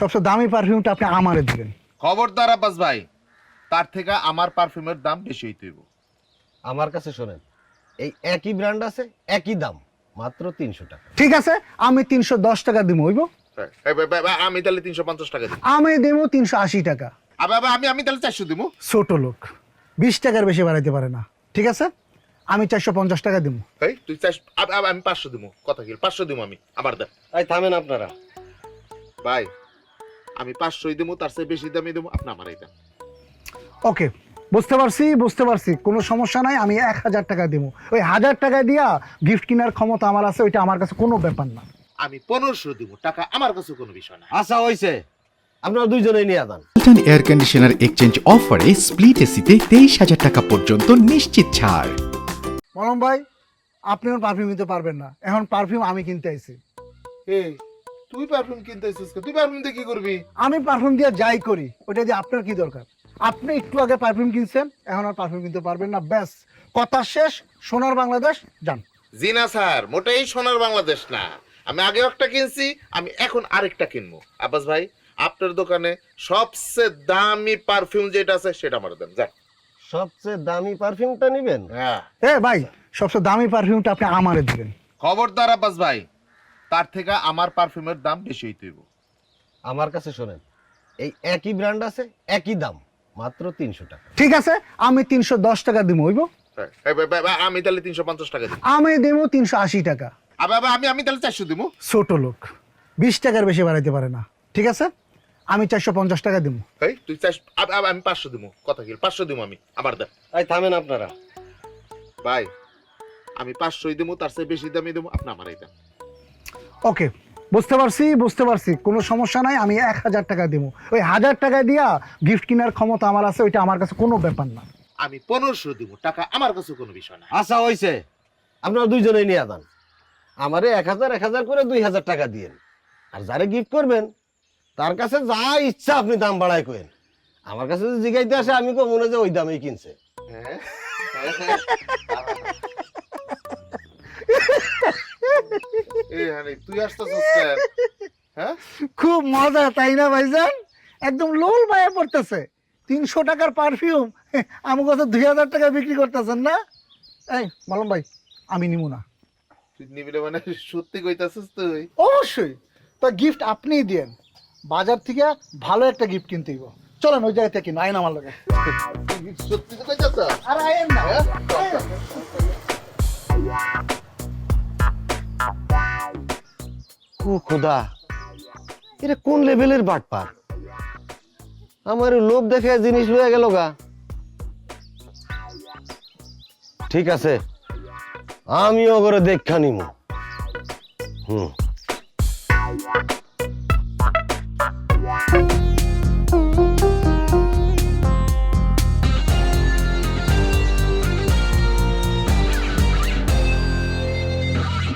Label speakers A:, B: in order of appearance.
A: সবচেয়ে দামি পারফিউমটা আপনি আমারে দিবেন।
B: খবরদার আব্বাস ভাই, তার থেকে আমার পারফিউমের দাম বেশি হইতে হইব।
C: আমার কাছে শোনেন, এই একই ব্র্যান্ড আছে, একই দাম, মাত্র 300 টাকা।
A: ঠিক আছে, আমি 310 টাকা দিব, হইব?
B: আমি তাহলে 350 টাকা দিই।
A: আমি দেব 380 টাকা।
B: আমি আমি তাহলে 400 দিব।
A: ছোট লোক 20 টাকার বেশি বাড়াইতে পারে না। ঠিক আছে, আমি 450 টাকা দিব।
B: এই তুই 400, আমি 500 দিব। কথা কি 500 দিব আমি? আবার দেখ
C: এই থামেন আপনারা।
B: ভাই, আমি 500 দিব, তার চেয়ে বেশি দামই দেব, আপনি আমারই দেন।
A: ওকে, বুঝতে পারছি, কোনো সমস্যা নাই। আমি 1000 টাকা দিব। ওই 1000 টাকা দিয়া গিফট কেনার ক্ষমতা আমার আছে, ওইটা আমার কাছে কোনো ব্যাপার না।
B: আমি 1500 দিব, টাকা আমার কাছে কোনো বিষয় না।
C: আচ্ছা হইছে, আপনারা দুইজনেই নিয়ে যান।
D: ওয়ালটন এয়ার কন্ডিশনার এক্সচেঞ্জ অফারে স্প্লিট এসিতে 23,000 টাকা পর্যন্ত নিশ্চিত ছাড়।
A: মলম ভাই, আপনি ওর পারফিউম নিতে পারবেন না, এখন পারফিউম আমি কিনতে আইছি।
B: এই তুই পারফিউম কিনতে এসেছিস, তুই পারফিউম দিয়ে কি করবি?
A: আমি পারফিউম দিয়ে যাই করি, ওটা দিয়ে আপনার কি দরকার? আপনি একটু আগে পারফিউম কিনছেন, এখন আর পারফিউম কিনতে পারবেন না। ব্যাস, কথা শেষ। সোনার বাংলাদেশ যান।
B: জি না স্যার, মোটেই সোনার বাংলাদেশ না। আমি আগেও একটা কিনছি, আমি এখন আরেকটা কিনবো। আব্বাস ভাই, আপনার দোকানে সবচেয়ে দামি পারফিউম যেটা আছে সেটা আমার দেন। যান।
C: সবচেয়ে দামি পারফিউমটা নেবেন?
B: হ্যাঁ।
A: এ ভাই, সবচেয়ে দামি পারফিউমটা আপনি আমারে দিবেন।
B: খবরদার আব্বাস ভাই, তার থেকে আমার পারফিউমের দাম বেশি হইতে হইব।
C: আমার কাছে শোনেন, এই একই ব্র্যান্ড আছে, একই দাম, মাত্র 300 টাকা।
A: ঠিক আছে, আমি 310 টাকা দিব, হইব?
B: আমি তাহলে 350 টাকা দিই।
A: আমি দেব 380 টাকা।
B: আমি আমি তাহলে 400 দিব।
A: ছোট লোক 20 টাকার বেশি বাড়াইতে পারে না। ঠিক আছে, আমি 450 টাকা দিব।
B: এই তুই আমি 500 দিব। কথা কি 500 দিব আমি? আবার দেখ
C: এই থামেন আপনারা।
B: ভাই, আমি 500 দিব, তার চেয়ে বেশি দামই দেব, আপনি আমারই দেন।
A: ওকে, বুঝতে পারছি, কোনো সমস্যা নাই। আমি 1000 টাকা দিব। ওই 1000 টাকা দিয়া গিফট কেনার ক্ষমতা আমার আছে, ওইটা আমার কাছে কোনো ব্যাপার না।
B: আমি 1500 দিব, টাকা আমার কাছে কোনো বিষয় না।
C: আচ্ছা হইছে, আপনারা দুইজনেই নিয়ে যান। আমারে 1000 করে 2000 টাকা দিয়েন। আর যারে গিফট করবেন তার কাছে যা ইচ্ছা আপনি দাম বাড়ায় কইেন। আমার কাছে যদি জিগাইতে আসে, আমি কো মনে যে ওই দামেই কিনছে।
B: হ্যাঁ? এই হানি, তুই আসতেছিস কেন? হ্যাঁ?
A: খুব মজা, তাই না ভাইজান? একদম লোল ভাইয়া পড়তেছে। 300 টাকার পারফিউম আমার কাছে 2000 টাকা বিক্রি করতেছেন না? এই মলম ভাই, আমি নিব না।
B: তুই নিবি না মানে সত্যি কইতাছিস তুই?
A: অবশ্যই, তো গিফট আপনিই দেন। বাজার থেকে ভালো একটা গিফট কিনতে হইব। চলেন ওই জায়গা থেকে কিনো, আইন আমার লগে।
B: তুই সত্যি তো কইতাছিস?
A: আর আইন না।
C: ও খোদা, এটা কোন লেভেলের বাটপার! আমার লোভ দেখে জিনিস লয়ে গেল গা। ঠিক আছে, আমিও করে দেখা নিমু।